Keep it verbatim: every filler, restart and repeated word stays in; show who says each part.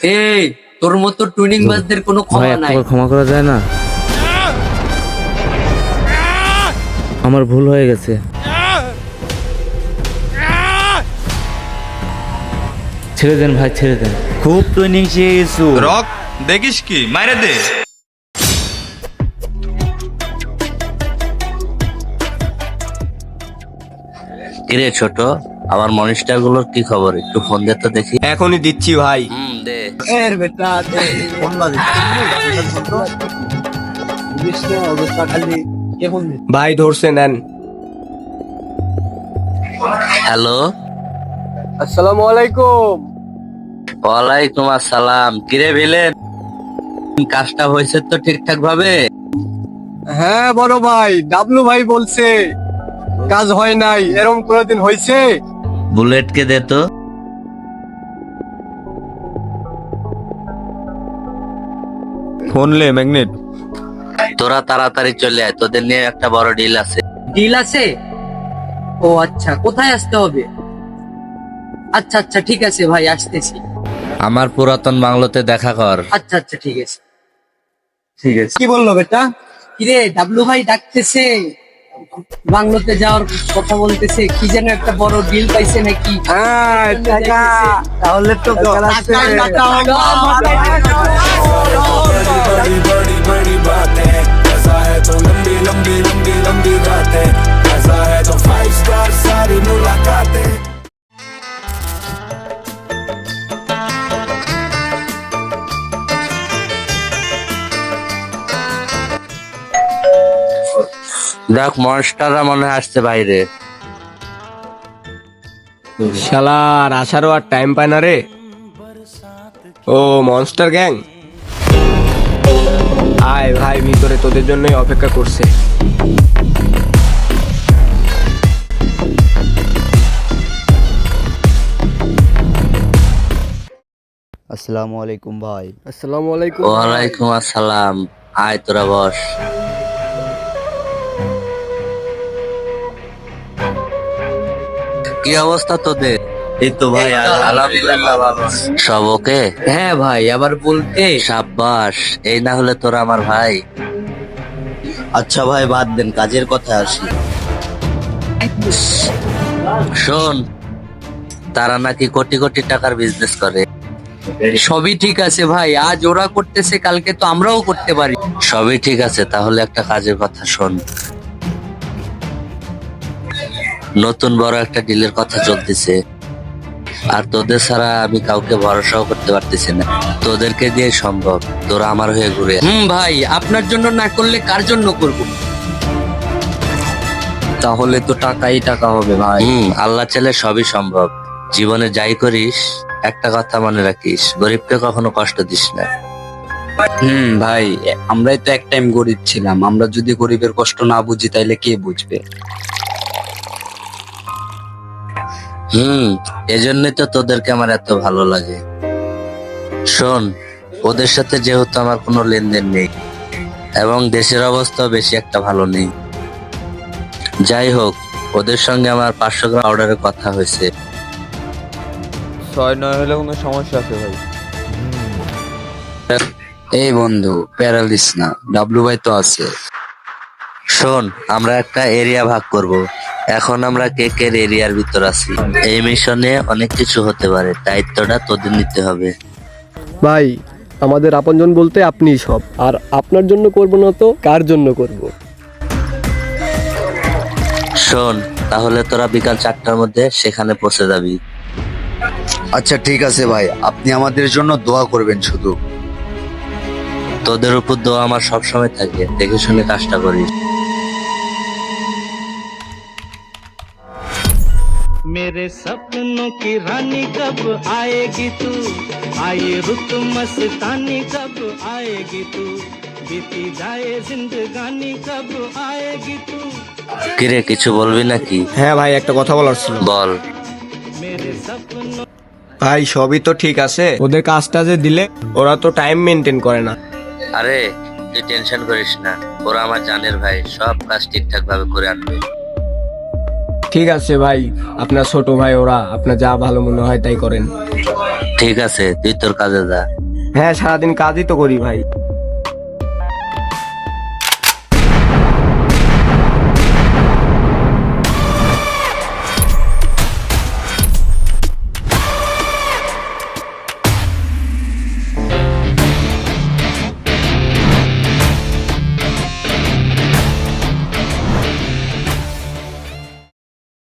Speaker 1: এই তোর মতো টুনিং বাজদের কোনো
Speaker 2: ভাই
Speaker 1: ক্ষমা
Speaker 2: একটা
Speaker 1: নাই।
Speaker 2: বার ক্ষমা করা যায় না? আমার ভুল হয়ে গেছে। ছেড়ে দেন ভাই, ছেড়ে দেন।
Speaker 3: খুব ট্রেনিং শিখে গেছো।
Speaker 4: রক দেখিস কি মাইরে দে।
Speaker 5: কিরে ছোট, আমার মনিস্টার গুলোর কি খবর? একটু ফোন দে তো দেখি।
Speaker 4: এখনই দিচ্ছি ভাই।
Speaker 5: হুম দে।
Speaker 4: ভাই ধরছে নেন।
Speaker 5: হ্যালো,
Speaker 4: আসসালামু আলাইকুম।
Speaker 5: ওয়ালাইকুম আসসালাম। কিরে ভিলেন, কাজটা হয়েছে তো ঠিকঠাক ভাবে?
Speaker 6: হ্যাঁ বড় ভাই, ডাবলু ভাই বলছে কাজ হয় নাই, এরকম কোনদিন হয়েছে?
Speaker 5: বুলেটকে দে তো।
Speaker 4: ফোন লে ম্যাগনেট।
Speaker 5: তোরা তাড়াতাড়ি চলে আয়, তোদের নিয়ে একটা বড় ডিল আছে।
Speaker 1: ডিল আছে? ও আচ্ছা, কোথায় আসতে হবে? আচ্ছা আচ্ছা ঠিক আছে ভাই, আসতেছি।
Speaker 5: আমার পুরাতন বাংলোতে দেখা কর।
Speaker 1: আচ্ছা আচ্ছা ঠিক আছে ঠিক আছে।
Speaker 6: কি বললো বেটা?
Speaker 1: কিরে ডাবলু ভাই ডাকতেছে, বাংলোতে যাওয়ার কথা বলতেছে, কি যেন একটা বড় ডিল পাইছে নাকি?
Speaker 6: হ্যাঁ টাকা, তাহলে তো
Speaker 1: টাকা, টাকা হলো।
Speaker 7: बड़ी बड़ी बड़ी बातें, ऐसा है तो लंबी लंबी लंबी लंबी बातें, ऐसा है तो फाइव स्टार सारी मुलाकातें।
Speaker 5: দেখ মনস্টাররা মনে হয় আসছে বাইরে।
Speaker 4: শালার আসারও আর টাইম পায় না রে। ও মনস্টার গ্যাং, আয় ভাই ভিতরে, তোদের জন্যই অপেক্ষা করছে।
Speaker 3: আসসালামু আলাইকুম ভাই।
Speaker 6: আসসালামু আলাইকুম।
Speaker 5: ওয়ালাইকুম আসসালাম। আয় তোরা বস। কি অবস্থা তোদের?
Speaker 3: এই তো ভাই আলহামদুলিল্লাহ ভালো।
Speaker 5: সব ওকে?
Speaker 1: হ্যাঁ ভাই, আবার বলতে
Speaker 5: সাব্বাস, এই না হলে তোরা আমার ভাই।
Speaker 3: আচ্ছা ভাই বাদ দেন, কাজের কথা আসি।
Speaker 5: শোন, তারা নাকি কোটি কোটি টাকার বিজনেস করে।
Speaker 1: সবই ঠিক আছে ভাই, আজ ওরা করতেছে, কালকে তো আমরাও করতে পারি।
Speaker 5: সবই ঠিক আছে, তাহলে একটা কাজের কথা শোন। নতুন বড় একটা ডিলের কথা চলতেছে, আর তোদের ছাড়া আমি কাউকে ভরসাও করতে পারতেছি না। তোদেরকে দিয়ে সম্ভব, তোরা আমার হয়ে ঘুরে আয়।
Speaker 1: হুম ভাই, আপনার জন্য না করলে কার জন্য করব?
Speaker 2: তাহলে তো টাকাই টাকা হবে ভাই।
Speaker 5: হুম, আল্লাহ চাইলে সবই সম্ভব। জীবনে যাই করিস, একটা কথা মনে রাখিস, গরিবকে কখনো কষ্ট দিস না।
Speaker 2: হুম ভাই, আমরাই তো এক টাইম গরিব ছিলাম, আমরা যদি গরিবের কষ্ট না বুঝি তাইলে কে বুঝবে?
Speaker 5: হুম, এজন্যই তো তোদেরকে আমার এত ভালো লাগে। শোন, ওদের সাথে যেহেতু আমার কোনো লেনদেন নেই, এবং দেশের অবস্থাও বেশি একটা ভালো নেই, যাই হোক, ওদের সঙ্গে আমার পাঁচশো গ্রাম অর্ডারের কথা হয়েছে।
Speaker 4: ছয় নয় হলে কোনো সমস্যা আছে ভাই?
Speaker 2: এই বন্ধু, প্যারালিস না, ডাবলু ভাই তো আছে।
Speaker 5: শোন, আমরা একটা এরিয়া ভাগ করব। এখন আমরা কেকের এরিয়ার ভিতর আছি। এই মিশনে অনেক কিছু হতে পারে, দায়িত্বটা তোদের নিতে হবে।
Speaker 6: ভাই, আমাদের আপনজন বলতে আপনিই সব, আর আপনার জন্য করব না তো কার জন্য করব?
Speaker 5: শোন, তাহলে তোরা বিকাল চারটার মধ্যে সেখানে পৌঁছে যাবি।
Speaker 3: আচ্ছা ঠিক আছে ভাই, আপনি আমাদের জন্য দোয়া করবেন শুধু।
Speaker 5: তোদের উপর দোয়া আমার সবসময় থাকে, দেখে শুনে কাজটা করিস।
Speaker 8: मेरे सपनों की रानी कब आएगी तू, आए रुत मस्तानी कब आएगी तू, बीती जाए जिंदगानी कब आएगी तू।
Speaker 5: কিরে, কিছু বলবি নাকি?
Speaker 4: হ্যাঁ ভাই, একটা কথা বলার ছিল।
Speaker 5: বল।
Speaker 8: मेरे सपनों
Speaker 4: ভাই সবই তো ঠিক আছে, ওদের কাজটা যে দিলে ওরা তো টাইম মেনটেন করে না।
Speaker 5: আরে তুই টেনশন করিস না, ওরা আমার জানের ভাই, সব কাজ ঠিকঠাক ভাবে করে আনবে।
Speaker 4: ঠিক আছে ভাই, আপনার ছোট ভাই ওরা, আপনার যা ভালো মনে হয় তাই করেন।
Speaker 5: ঠিক আছে, তুই তোর কাজে যা।
Speaker 4: হ্যাঁ, সারাদিন কাজই তো করি ভাই।